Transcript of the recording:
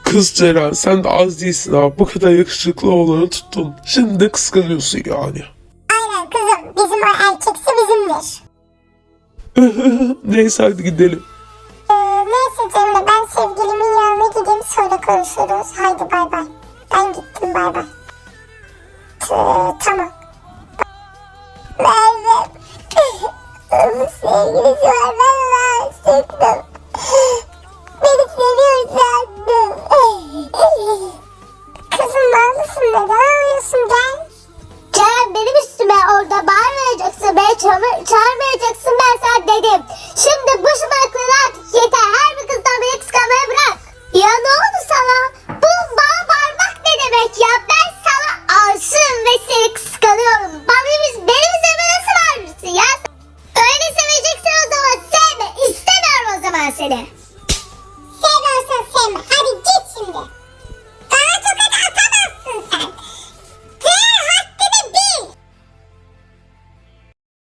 Kız Ceren, sen de az değilsin ha. Bu kadar yakışıklı olanı tuttun. Şimdi de kıskanıyorsun yani. Aynen kızım, bizim o erkekse bizimdir. Neyse hadi gidelim. Neyse Cemre, ben sevgilimin yanına gideyim, sonra konuşuruz. Haydi bay bay. Ben gittim, bay bay. Tamam. Merve. Onun sevgilisi var, ben aşıktım. Beni seviyor sandım. Kızım bağlısın, neden ağlıyorsun, gel. Ceren, benim üstüme orada bağırmayacaksın, beni çağırmayacaksın, ben sana dedim. Şimdi bu şımarıklığın artık yeter. Her bir kızdan beni kıskanmayı bırak. Ya ne oldu sana? Bu bana bağırmak ne demek ya? Ben sana aşığım ve seni kıskanıyorum. Benim üzerime nasıl bağırırsın ya? Öyle seveceksin o zaman sevme. İstemiyorum o zaman seni.